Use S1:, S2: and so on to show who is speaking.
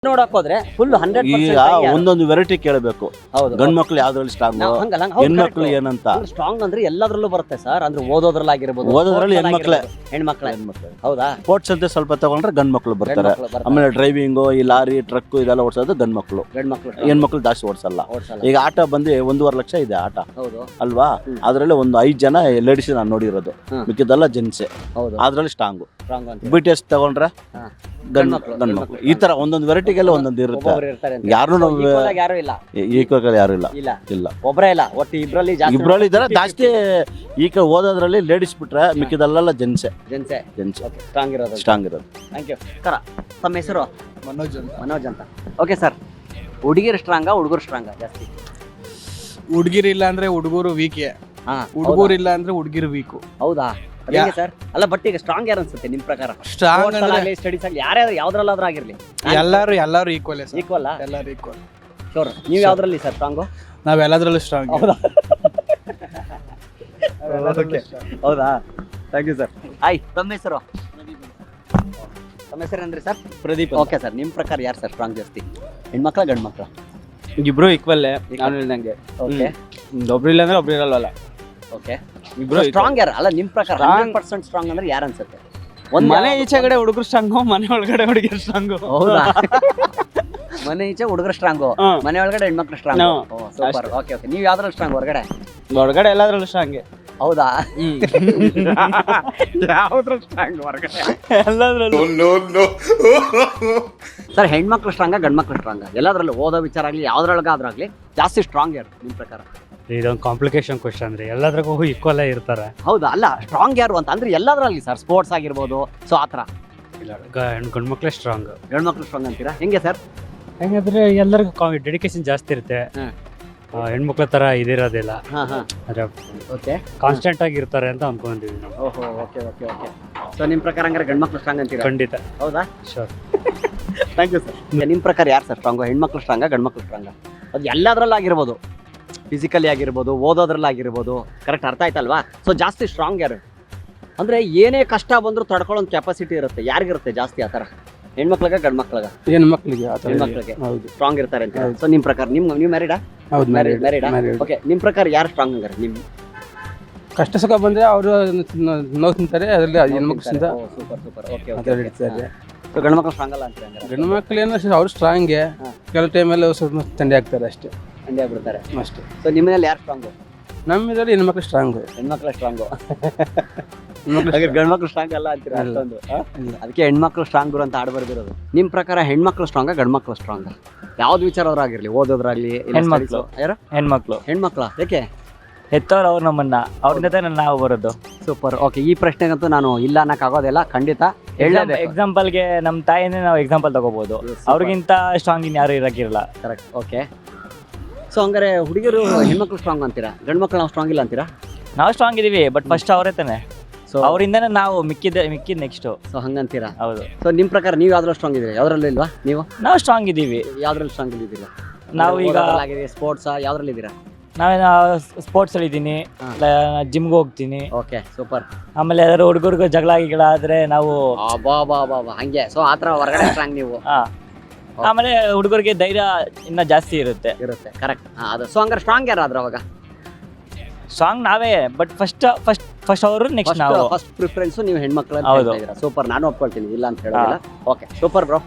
S1: ನೋಡಕ್ ಹೋದ್ರೆ ಫುಲ್ 100%
S2: ಈಗ ಒಂದೊಂದು ವೆರೈಟಿ ಕೇಳಬೇಕು.
S1: ಹೌದು
S2: ಗಂಡ್ ಮಕ್ಳು ಯಾವ್ದ್ರಲ್ಲಿ ಸ್ಟ್ರಾಂಗ್, ಹೆಣ್ಮಕ್ಳು ಏನಂತ.
S1: ಸ್ಟ್ರಾಂಗ್ ಅಂದ್ರೆ ಎಲ್ಲದ್ರಲ್ಲೂ ಬರುತ್ತೆ ಸರ್. ಅಂದ್ರೆ ಓದೋದ್ರಲ್ಲಾಗಿರ್ಬೋದು,
S2: ಓದೋದ್ರಲ್ಲಿ
S1: ಹೆಣ್ಮಕ್ಳೆ. ಹೌದಾ?
S2: ಸ್ಪೋರ್ಟ್ಸ್ ಅಂತ ಸ್ವಲ್ಪ ತಗೊಂಡ್ರೆ ಗಂಡ್ ಮಕ್ಳು ಬರ್ತಾರೆ. ಆಮೇಲೆ ಡ್ರೈವಿಂಗು, ಈ ಲಾರಿ ಟ್ರಕ್ ಇದೆಲ್ಲ ಓಡಿಸೋದು ಗಂಡ್ ಮಕ್ಳು. ಹೆಣ್ಮಕ್ಳು ಜಾಸ್ತಿ ಓಡಿಸಲ್ಲ. ಈಗ ಆಟ ಬಂದು 1.5 ಲಕ್ಷ ಇದೆ ಆಟ ಅಲ್ವಾ? ಅದ್ರಲ್ಲಿ ಒಂದು 5 ಜನ ಲೇಡೀಸ್ ನಾನು ನೋಡಿರೋದು, ಮಿಕ್ಕಿದೆಲ್ಲ ಜೆಂಟ್ಸೆ. ಅದ್ರಲ್ಲಿ ಸ್ಟ್ರಾಂಗ್. BTS ತಗೊಂಡ್ರೆ ಗಂಡ್ ಮಕ್ಳು. ಈ ತರ ಒಂದೊಂದು ವೆರೈಟಿಗೆಲ್ಲ ಒಂದೊಂದು ಇರುತ್ತೆ. ಯಾರು ಈಕ್ವಲ್ ಯಾರು ಇಲ್ಲ.
S1: ಒಬ್ಬರೇ ಇಲ್ಲ, ಒಟ್ಟು
S2: ಇಬ್ರಲ್ಲಿ ಇದಾರೆ ಜಾಸ್ತಿ. ಈಗ ಓದೋದ್ರಲ್ಲಿ ಲೇಡೀಸ್ ಬಿಟ್ರೆ ಮಿಕ್ಕಿದಲ್ಲೆಲ್ಲ ಜೆಂಟ್ಸೆ. ಸ್ಟ್ರಾಂಗ್ ಇರೋದು.
S1: Thank you. ತಮ್ಮ ಹೆಸರು?
S3: ಮನೋಜ್ ಅಂತ.
S1: ಓಕೆ ಸರ್, ಹುಡುಗಿರು ಸ್ಟ್ರಾಂಗಾ ಹುಡುಗರು ಸ್ಟ್ರಾಂಗಾ ಜಾಸ್ತಿ?
S3: ಹುಡುಗಿರಿಲ್ಲ ಅಂದ್ರೆ ಹುಡುಗರು ವೀಕ್, ಹುಡುಗರು ಇಲ್ಲ ಅಂದ್ರೆ ಹುಡುಗಿರು ವೀಕು.
S1: ಹೌದಾ? ಸರ್ ಅಲ್ಲ, ಬಟ್ ಈಗ ಸ್ಟ್ರಾಂಗ್ ಯಾರು ಅನ್ಸುತ್ತೆ ನಿಮ್ ಪ್ರಕಾರ?
S3: ಸ್ಟ್ರಾಂಗ್
S1: ಸ್ಟಡೀಸ್ ಆಗಲಿ ಯಾರ್ಯಾರು ಯಾವ್ದ್ರಲ್ಲಾದ್ರೂ ಆಗಿರ್ಲಿ,
S3: ಎಲ್ಲರೂ ಈಕ್ವಲ್.
S1: ಈಕ್ವಲ್
S3: ಎಲ್ಲರೂ ಈಕ್ವಲ್.
S1: ಶೋರ್. ನೀವು ಯಾವ್ದ್ರಲ್ಲಿ ಸರ್ ಸ್ಟ್ರಾಂಗು?
S3: ನಾವ್ ಎಲ್ಲದ್ರಲ್ಲೂ ಸ್ಟ್ರಾಂಗ್.
S1: ಹೌದಾ? Thank you sir. ಆಯ್, ತಮ್ಮ ಹೆಸರು? ತಮ್ಮ ಹೆಸರು ಏನ್ರಿ ಸರ್?
S3: ಪ್ರದೀಪ್.
S1: ಓಕೆ ಸರ್, ನಿಮ್ ಪ್ರಕಾರ ಯಾರು ಸರ್ ಸ್ಟ್ರಾಂಗ್ ಜಾಸ್ತಿ, ಹೆಣ್ಮಕ್ಳ ಗಂಡ್ ಮಕ್ಳ?
S3: ಇಬ್ರು ಈಕ್ವಲ್. ನಾನು ಹೇಳ್ದಂಗೆ
S1: ಓಕೆ,
S3: ಒಬ್ರು ಇಲ್ಲ ಅಂದ್ರೆ ಒಬ್ರು ಇರಲ್ವಲ್ಲ.
S1: ಓಕೆ, ಇಬ್ರು ಸ್ಟ್ರಾಂಗ್ ಯಾರು? ಅಲ್ಲ, ನಿಮ್ ಪ್ರಕಾರ 100% ಸ್ಟ್ರಾಂಗ್ ಅಂದ್ರೆ ಯಾರು ಅನ್ಸುತ್ತೆ?
S3: ಒಂದ್ ಮನೆ ಈಚೆ ಕಡೆ ಹುಡುಗರು ಸ್ಟ್ರಾಂಗು, ಮನೆ ಒಳಗಡೆ ಹುಡುಗಿರು ಸ್ಟ್ರಾಂಗು.
S1: ಹೌದಾ? ಮನೆ ಈಚೆ ಹುಡುಗರು ಸ್ಟ್ರಾಂಗು, ಮನೆ ಒಳಗಡೆ ಹೆಣ್ಮಕ್ಳು ಸ್ಟ್ರಾಂಗ್. ಸೂಪರ್. ಓಕೆ ಓಕೆ, ನೀವು ಯಾವ್ದ್ರಲ್ಲಿ ಸ್ಟ್ರಾಂಗ್?
S3: ಹೊರಗಡೆ ಎಲ್ಲದ್ರಲ್ಲೂ ಸ್ಟ್ರಾಂಗ್.
S1: ಹೌದಾ? ಯಾವ್ದ್ರಲ್ಲಿ ಸ್ಟ್ರಾಂಗ್? ಹೊರಗಡೆ
S3: ಎಲ್ಲದ್ರಲ್ಲೂ.
S1: ಸರ್, ಹೆಣ್ಮಕ್ಳು ಸ್ಟ್ರಾಂಗ ಗಂಡ್ ಮಕ್ಳು ಸ್ಟ್ರಾಂಗ? ಎಲ್ಲದ್ರಲ್ಲೂ ಓದೋ ವಿಚಾರ ಆಗ್ಲಿ ಯಾವ್ದ್ರೊಳಗಾದ್ರಾಗ್ಲಿ ಜಾಸ್ತಿ ಸ್ಟ್ರಾಂಗ್ ಯಾರು ನಿಮ್ ಪ್ರಕಾರ?
S4: ಇದೊಂದು ಕಾಂಪ್ಲಿಕೇಶನ್ ಕ್ವಶನ್ ರೀ. ಎಲ್ಲದ್ರಾಗೂ ಈಕ್ವಲ್ ಇರ್ತಾರೆ.
S1: ಹೌದಾ? ಅಲ್ಲ, ಸ್ಟ್ರಾಂಗ್ ಯಾರು ಅಂತ ಅಂದ್ರೆ ಎಲ್ಲದ್ರಲ್ಲಿ ಸರ್, ಸ್ಪೋರ್ಟ್ಸ್ ಆಗಿರ್ಬೋದು, ಸೊ ಆತರ.
S4: ಇಲ್ಲ, ಗಂಡ್ಮಕ್ಳೇ ಸ್ಟ್ರಾಂಗ್.
S1: ಹೆಣ್ಮಕ್ಳು ಸ್ಟ್ರಾಂಗ್ ಅಂತೀರಾ? ಹೆಂಗೆ ಸರ್?
S4: ಹೆಂಗಂದ್ರೆ ಎಲ್ಲರಿಗೂ ಡೆಡಿಕೇಶನ್ ಜಾಸ್ತಿ ಇರುತ್ತೆ. ಹೆಣ್ಮಕ್ಳ ತರ ಇದಿರೋದಿಲ್ಲ,
S1: ಓಕೆ,
S4: ಕಾನ್ಸ್ಟೆಂಟ್ ಆಗಿ ಇರ್ತಾರೆ ಅಂತ ಅನ್ಕೊಂಡಿದ್ವಿ ನಾವು.
S1: ಓಹೋ, ಓಕೆ ಓಕೆ ಓಕೆ. ಸೊ ನಿಮ್ ಪ್ರಕಾರ ಹಂಗಾರೆ ಗಂಡ್ಮಕ್ಳು ಸ್ಟ್ರಾಂಗ್ ಅಂತೀರಾ?
S4: ಖಂಡಿತ.
S1: ಹೌದಾ?
S4: ಶೋರ್.
S1: Thank you sir. ನಿಮ್ ಪ್ರಕಾರ ಯಾರು ಸರ್ ಸ್ಟ್ರಾಂಗ್, ಹೆಣ್ಮಕ್ಳು ಸ್ಟ್ರಾಂಗ ಗಂಡ್ಮಕ್ಳು ಸ್ಟ್ರಾಂಗ? ಅದು ಎಲ್ಲದ್ರಲ್ಲಾಗಿರ್ಬೋದು, ಫಿಸಿಕಲಿ ಆಗಿರ್ಬೋದು, ಓದೋದ್ರಲ್ಲಾಗಿರ್ಬೋದು. ಕರೆಕ್ಟ್, ಅರ್ಥ ಆಯ್ತಲ್ವಾ? ಸೊ ಜಾಸ್ತಿ ಸ್ಟ್ರಾಂಗ್ ಯಾರು ಅಂದ್ರೆ ಏನೇ ಕಷ್ಟ ಬಂದರೂ ತಡ್ಕೊಳ್ಳೋ ಕೆಪಾಸಿಟಿ ಇರುತ್ತೆ, ಯಾರಿಗಿರುತ್ತೆ ಜಾಸ್ತಿ ಆ ಥರ? ಹೆಣ್ಮಕ್ಳಿಗೆ ಗಂಡ್ ಮಕ್ಳಿಗೆ?
S3: ಹೆಣ್ಮಕ್ಳಿಗೆ.
S1: ಹೆಣ್ಮಕ್ಳಿಗೆ
S3: ಹೌದು,
S1: ಸ್ಟ್ರಾಂಗ್ ಇರ್ತಾರೆ ಅಂತ. ಸೊ ನಿಮ್ ಪ್ರಕಾರ ನೀವು ಮ್ಯಾರಿಡಾ?
S3: ಹೌದು,
S1: ಮ್ಯಾರಿಡಾ? ಓಕೆ, ನಿಮ್ ಪ್ರಕಾರ ಯಾರು ಸ್ಟ್ರಾಂಗ್ ಹಂಗಾರೆ? ನಿಮ್
S3: ಕಷ್ಟ ಸುಖ ಬಂದ್ರೆ ಅವರು ನೋವು ತಿಂತಾರೆ, ಅದರಲ್ಲಿ ಹೆಣ್ಮಕ್ಳು
S1: ಸೂಪರ್ ಸೂಪರ್. Okay okay.
S3: ಹಿಡಿತಾರೆ.
S1: ಸೊ ಗಂಡ್ ಮಕ್ಳು ಸ್ಟ್ರಾಂಗ್ ಅಲ್ಲ ಅಂತೀರಾ ಹಂಗಾರೆ?
S3: ಗಂಡು ಮಕ್ಳು ಏನೋ ಅವ್ರು ಸ್ಟ್ರಾಂಗೆ, ಕೆಲವು ಟೈಮಲ್ಲಿ ಸ್ವಲ್ಪ ತಂದೆ ಆಗ್ತಾರೆ ಅಷ್ಟೇ,
S1: ಹಂಗೆ ಆಗ್ಬಿಡ್ತಾರೆ
S3: ಅಷ್ಟೇ.
S1: ಸೊ ನಿಮ್ಮನೇಲಿ ಯಾರು ಸ್ಟ್ರಾಂಗು?
S3: ನಮ್ಮ ಇದರಲ್ಲಿ ಹೆಣ್ಮಕ್ಳು ಸ್ಟ್ರಾಂಗು.
S1: ಹೆಣ್ಮಕ್ಳು ಸ್ಟ್ರಾಂಗು. ಗಂಡ್ಮಕ್ಳು ಸ್ಟ್ರಾಂಗ್ ಅಲ್ಲ ಅಂತೀರಾ ಅಷ್ಟೊಂದು? ಅದಕ್ಕೆ ಹೆಣ್ಮಕ್ಳು ಸ್ಟ್ರಾಂಗ್ ಅಂತ ಆಡ್ ಬರ್ದಿರೋದು. ನಿಮ್ ಪ್ರಕಾರ ಹೆಣ್ಮಕ್ಳು ಸ್ಟ್ರಾಂಗ ಗಂಡ್ಮಕ್ಳು ಸ್ಟ್ರಾಂಗ್? ಯಾವ್ದು ವಿಚಾರವ್ರಾಗಿರ್ಲಿ, ಓದೋದ್ರಾಗ್ಲಿ?
S4: ಹೆಣ್ಮಕ್ಳು.
S1: ಯಾರು? ಹೆಣ್ಮಕ್ಳ? ಯಾಕೆ?
S4: ಹೆತ್ತವ್ರು ಅವ್ರು ನಮ್ಮನ್ನ, ಅವ್ರ ಜೊತೆ ನಾವು ಬರೋದು.
S1: ಸೂಪರ್. ಓಕೆ, ಈ ಪ್ರಶ್ನೆಗಂತೂ ನಾನು ಇಲ್ಲ ಅನ್ನಕ್ ಆಗೋದಿಲ್ಲ, ಖಂಡಿತ.
S4: ಎಕ್ಸಾಂಪಲ್ಗೆ ನಮ್ಮ ತಾಯಿನೇ ನಾವು ಎಕ್ಸಾಂಪಲ್ ತಗೋಬಹುದು. ಅವ್ರಿಗಿಂತ ಸ್ಟ್ರಾಂಗ್ ಇನ್ ಯಾರು ಇರಕ್ಕಿರಲ್ಲ.
S1: ಕರೆಕ್ಟ್. ಓಕೆ, ಸೊ ಹಂಗಾರೆ ಹುಡುಗಿರು ಹೆಣ್ಮಕ್ಳು ಸ್ಟ್ರಾಂಗ್ ಅಂತೀರಾ, ಗಂಡ್ಮಕ್ಳು ನಾವು ಸ್ಟ್ರಾಂಗ್ ಇಲ್ಲ ಅಂತೀರಾ?
S4: ನಾವು ಸ್ಟ್ರಾಂಗ್ ಇದೀವಿ, ಬಟ್ ಫಸ್ಟ್ ಅವರೇ ತಾನೆ. ಸೊ ಅವರಿಂದನೇ ನಾವು ಮಿಕ್ಕಿದ್ ನೆಕ್ಸ್ಟ್.
S1: ಸೊ ಹಂಗಂತೀರಾ?
S4: ಹೌದು.
S1: ಸೊ ನಿಮ್ ಪ್ರಕಾರ ನೀವು ಯಾವ್ದ್ರಲ್ಲಿ ಸ್ಟ್ರಾಂಗ್ ಇದೀರಿ, ಯಾವ್ದ್ರಲ್ಲಿ ಇಲ್ವಾ? ನೀವು?
S4: ನಾವು ಸ್ಟ್ರಾಂಗ್ ಇದೀವಿ.
S1: ಯಾವ್ದ್ರಲ್ಲಿ ಸ್ಟ್ರಾಂಗ್ ಇದ್ದೀರಾ
S4: ನಾವು? ಈಗ
S1: ಸ್ಪೋರ್ಟ್ಸ್ ಯಾವ್ದ್ರಲ್ಲಿ ಇದ್ದೀರಾ?
S4: ನಾವೇನ ಸ್ಪೋರ್ಟ್ಸ್ ಅಲ್ಲಿ ಇದ್ದೀನಿ, ಜಿಮ್ಗೆ ಹೋಗ್ತೀನಿ.
S1: Okay, super.
S4: ಆಮೇಲೆ ಯಾರು ಹುಡುಗರಿಗೆ ಜಗಳ ಗಿಗಳಾದ್ರೆ ನಾವು
S1: ಹಂಗೆ, ಸೊ ಆತರ ಹೊರಗಡೆ ಸ್ಟ್ರಾಂಗ್ ನೀವು?
S4: ಆಮೇಲೆ ಹುಡುಗರಿಗೆ ಧೈರ್ಯ ಇನ್ನ ಜಾಸ್ತಿ ಇರುತ್ತೆ.
S1: ಕರೆಕ್ಟ್. ಅದು ಸೊ ಹಂಗಾರೆ ಸ್ಟ್ರಾಂಗ್ ಯಾರಾದ್ರೂ ಅವಾಗ?
S4: ಸ್ಟ್ರಾಂಗ್ ನಾವೇ, ಬಟ್ ಫಸ್ಟ್ ಅವರು, ನೆಕ್ಸ್ಟ್ ನಾವು.
S1: ಫಸ್ಟ್ ಪ್ರಿಫರೆನ್ಸ್ ನೀವು ಹೆಣ್ಮಕ್ಳು. ಸೂಪರ್, ನಾನು ಒಪ್ಕೊಳ್ತೀನಿ, ಇಲ್ಲ ಅಂತ ಹೇಳೋದಿಲ್ಲ. Okay, super bro.